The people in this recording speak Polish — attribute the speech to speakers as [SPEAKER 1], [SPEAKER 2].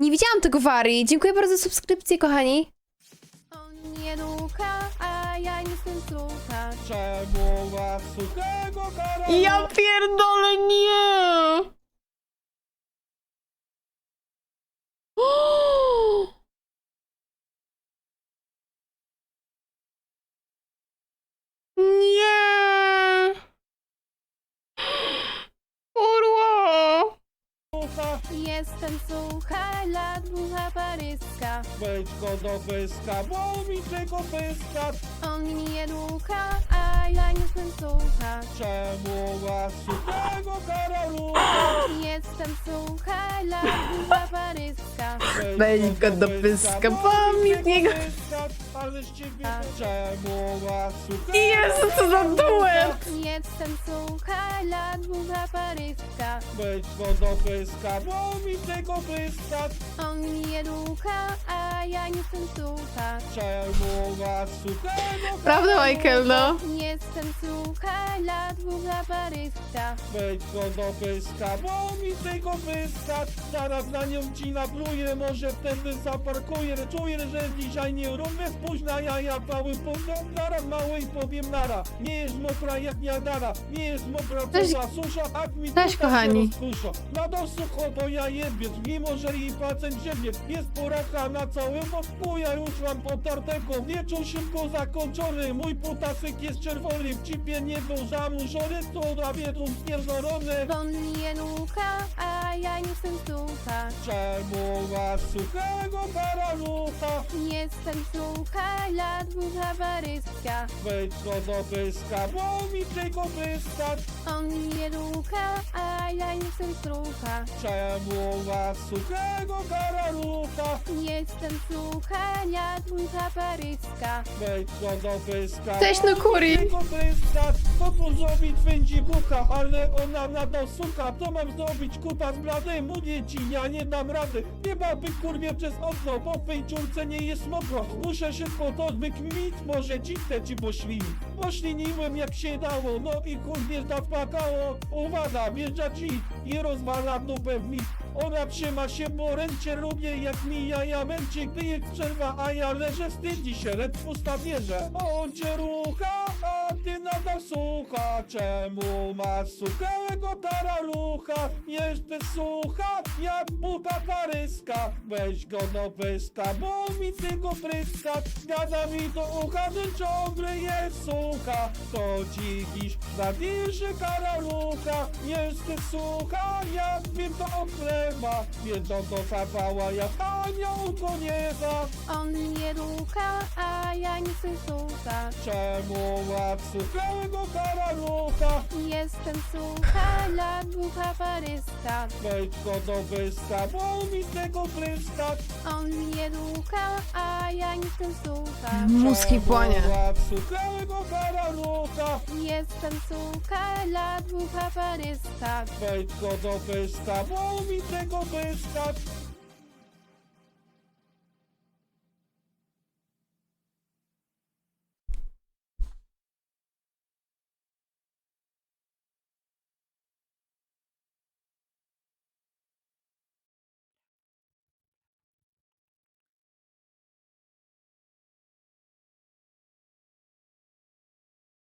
[SPEAKER 1] Nie widziałam tego Wari. Dziękuję bardzo za subskrypcję, kochani.
[SPEAKER 2] On nie ducha, a ja nie jestem sucha.
[SPEAKER 3] Czemu was suchego kara?
[SPEAKER 1] Ja pierdolę, nie! Nie! Kurwa!
[SPEAKER 3] Sucha,
[SPEAKER 2] Jestem sucha, dla ducha paryska.
[SPEAKER 3] wejdź go do pyska, bo mi tego pyska.
[SPEAKER 2] On nie ducha, a ja nie jestem sucha.
[SPEAKER 3] Czemu was suchego karalu?
[SPEAKER 2] Jestem sucha, dla ducha paryska.
[SPEAKER 1] Wejdź go do pyska, bo mi niego...
[SPEAKER 3] Ale z ciebie czemu was suchego
[SPEAKER 1] Jezu, co za duet!
[SPEAKER 2] Jestem sucha, dla ducha paryska.
[SPEAKER 3] Wejdź go do pyska, bo mi tego pyska.
[SPEAKER 2] On nie ducha, a ja nie jestem sucha.
[SPEAKER 3] Czemu was suchego
[SPEAKER 1] Prawda, Michael, no?
[SPEAKER 2] Jestem sucha, dla ducha paryska.
[SPEAKER 3] Wejdź go do pyska, bo mi tego pyska. Zaraz na nią ci napluję, może wtedy zaparkuję. Czuję, że dzisiaj nie równie spóźna jaja cały pogląd. Zaraz mały i powiem nara. Nie jest mokra jak Niagara. Nie jest mokra
[SPEAKER 1] Cześć.
[SPEAKER 3] poza susza, a mi
[SPEAKER 1] Cześć, kochani.
[SPEAKER 3] Na to sucho, bo ja jebiec, mimo że jej pacjent ziemnie. Jest poraka na całym wosku, ja już mam potartego. Wieczór szybko zakończony, mój putasek jest czerwony. W cipie nie był zanurzony, to na wiedzą spierdolony.
[SPEAKER 2] On nie ducha, a ja nie jestem sucha.
[SPEAKER 3] Czemu was suchego karalucha?
[SPEAKER 2] Jestem sucha, dla ducha paryska.
[SPEAKER 3] Wejdź go do pyska, bo mi tego pyska.
[SPEAKER 2] On nie ducha, a ja nie jestem sucha.
[SPEAKER 3] Czemu was suchego karalucha?
[SPEAKER 2] Jestem sucha, dla ducha paryska.
[SPEAKER 3] Wejdź go do pyska.
[SPEAKER 1] Cześć, no kuri.
[SPEAKER 3] Tego pyska. Co tu zrobić będzie bucha, ale ona nadal sucha. Co mam zrobić, kupa z bladym? Mówię ci, ja nie dam rady. Nie baby kurwie przez okno, po tej dziurce nie jest mokro. Muszę szybko to wykminić, może ci chcę ci poślinić. Pośliniłem jak się dało, no i kurwie zapłakało. Uwaga, wjeżdża ci i rozwala dupę w mit. Ona trzyma się, bo ręcie lubię jak mija ja męcie, gdy jest przerwa, a ja leżę, wstydzi się, lecz pusta bierze. On cię rucha, a ty nadal sucha. Czemu masz suchego taralucha? Jeszcze sucha, jak buta paryska. Weź go do pyska, bo mi tego pryska. Gada mi do ucha, że ciągle jest sucha. To dziś zabierze karalucha. Jeszcze sucha, jak wiem to oklewa. Wiedzą to zapała, jak anioł do nieba.
[SPEAKER 2] On nie ducha, a ja nie jestem sucha.
[SPEAKER 3] Czemu łap suchego karalucha?
[SPEAKER 2] Jestem sucha, dla ducha paryska.
[SPEAKER 3] Wejdź go do pyska, bo mi tego pryska.
[SPEAKER 2] On nie ducha, a ja nie jestem sucha.
[SPEAKER 1] Mózg mi płonie.
[SPEAKER 3] Czemu łap suchego karalucha?
[SPEAKER 2] Jestem sucha, dla ducha paryska.
[SPEAKER 3] Wejdź go do pyska, bo mi tego pyska.